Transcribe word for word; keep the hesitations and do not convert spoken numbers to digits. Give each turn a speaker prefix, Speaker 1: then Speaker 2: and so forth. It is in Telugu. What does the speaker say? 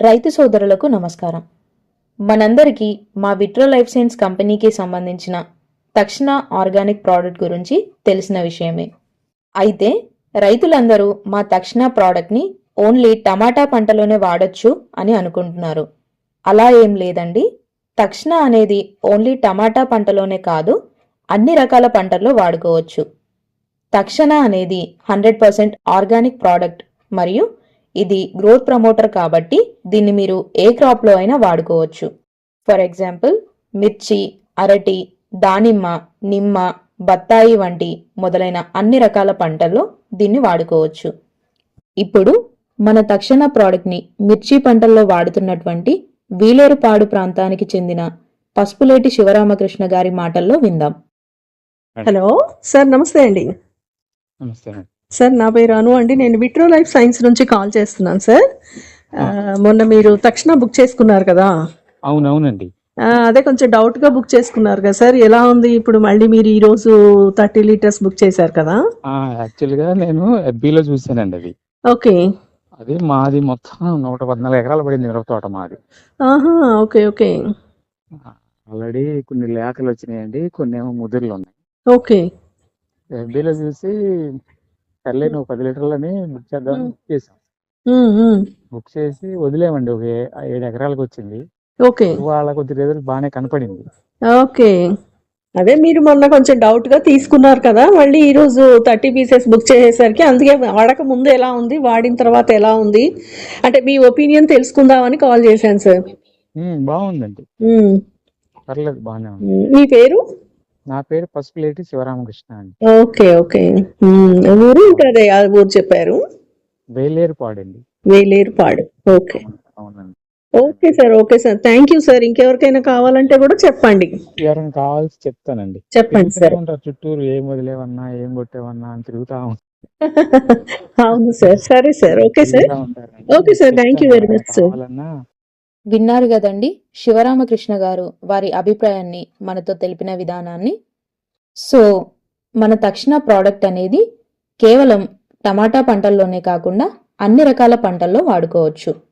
Speaker 1: రైతు సోదరులకు నమస్కారం. మనందరికీ మా విట్రో లైఫ్ సైన్స్ కంపెనీకి సంబంధించిన తక్షణ ఆర్గానిక్ ప్రోడక్ట్ గురించి తెలిసిన విషయమే. అయితే రైతులందరూ మా తక్షణ ప్రోడక్ట్ని ఓన్లీ టమాటా పంటలోనే వాడచ్చు అని అనుకుంటున్నారు. అలా ఏం లేదండి. తక్షణ అనేది ఓన్లీ టమాటా పంటలోనే కాదు, అన్ని రకాల పంటల్లో వాడుకోవచ్చు. తక్షణ అనేది హండ్రెడ్ పర్సెంట్ ఆర్గానిక్ ప్రోడక్ట్ మరియు ఇది గ్రోత్ ప్రమోటర్ కాబట్టి దీన్ని మీరు ఏ క్రాప్లో అయినా వాడుకోవచ్చు. ఫర్ ఎగ్జాంపుల్ మిర్చి, అరటి, దానిమ్మ, నిమ్మ, బత్తాయి వంటి మొదలైన అన్ని రకాల పంటల్లో దీన్ని వాడుకోవచ్చు. ఇప్పుడు మన తక్షణ ప్రోడక్ట్ని మిర్చి పంటల్లో వాడుతున్నటువంటి వీలేరుపాడు ప్రాంతానికి చెందిన పసుపులేటి శివరామకృష్ణ గారి మాటల్లో విందాం.
Speaker 2: హలో సార్, నమస్తే అండి.
Speaker 3: నమస్తే అండి.
Speaker 2: సార్, నా పేరు అను అండి. నేను విట్రో లైఫ్ సైన్స్ నుంచి కాల్ చేస్తున్నాను సార్. ఆ, మొన్న మీరు తక్షణ బుక్ చేసుకున్నారు కదా?
Speaker 3: అవునవునండి.
Speaker 2: ఆ, అదే కొంచెం డౌట్ గా బుక్ చేసుకున్నారు కదా సార్. ఎలా ఉంది ఇప్పుడు? మళ్ళీ మీరు ఈ రోజు థర్టీ లీటర్స్ బుక్ చేశారు కదా?
Speaker 3: యాక్చువల్ గా నేను ఎఫ్బీలో చూసానండి. అది
Speaker 2: ఓకే.
Speaker 3: అది మాది మొత్తం నూట పద్నాలుగు ఎకరాలు పడింది మిరప తోట మాది.
Speaker 2: ఆహా, ఓకే ఓకే
Speaker 3: ఆల్రెడీ కొన్ని లేఖలు వచ్చినాయండి, కొన్ని ఏమో ముదురులు ఉన్నాయి.
Speaker 2: ఓకే.
Speaker 3: ఎఫ్బీలో చూసి సర్లే నువ్వు పది లీటర్లని బుక్ చేద్దాం బుక్ చేసాం.
Speaker 2: ఉమ్, ఉమ్.
Speaker 3: బుక్ చేసి వదిలేమండి. ఒక ఏ- ఏడు ఎకరాలకు వచ్చింది.
Speaker 2: ఓకే
Speaker 3: వాళ్ళ కొద్ది రిజల్ట్ బాగానే కనపడింది.
Speaker 2: ఓకే అదే మీరు మొన్న కొంచెం డౌట్ గా తీసుకున్నారు కదా, మళ్ళీ ఈ రోజు థర్టీ పీసెస్ బుక్ చేసేసరికి అందుకే వాడక ముందు ఎలా ఉంది, వాడిన తర్వాత ఎలా ఉంది అంటే మీ ఒపీనియన్ తెలుసుకుందామని కాల్ చేశాను సార్.
Speaker 3: ఉమ్, బాగుందండి,
Speaker 2: ఉమ్,
Speaker 3: పర్లేదు బాగానే ఉంది.
Speaker 2: ఉమ్. మీ పేరు?
Speaker 3: నా పేరు పసుపులేటి శివరామకృష్ణ అండి.
Speaker 2: ఓకే ఓకే ఉమ్, ఊరు ఇంకా అదే ఆ ఊరు చెప్పారు.
Speaker 3: వేలేరు పాడండి.
Speaker 2: వేలేరుపాడు. ఓకే
Speaker 3: అవునండి.
Speaker 2: Okay sir, okay sir, thank you sir. ఇంకెవరికైనా కావాలంటే కూడా చెప్పండి.
Speaker 3: ఎవరైనా కావాల్సి చెప్తానండి.
Speaker 2: చెప్పండి
Speaker 3: తిరుగుతూనే
Speaker 2: సార్.
Speaker 3: ఉంటారు చుట్టూరు, ఏం వదిలేవన్నా ఏం కొట్టేవన్నా అని తిరుగుతా ఉంటారు.
Speaker 2: అవును సార్, సరే సార్, ఓకే సార్,
Speaker 3: తిరుగుతా ఉంటారండి.
Speaker 2: Okay sir, thank you very much sir.
Speaker 3: కావాలన్నా
Speaker 1: విన్నారు కదండి శివరామకృష్ణ గారు వారి అభిప్రాయాన్ని మనతో తెలిపిన విధానాన్ని. సో మన తక్షణ ప్రోడక్ట్ అనేది కేవలం టమాటా పంటల్లోనే కాకుండా అన్ని రకాల పంటల్లో వాడుకోవచ్చు.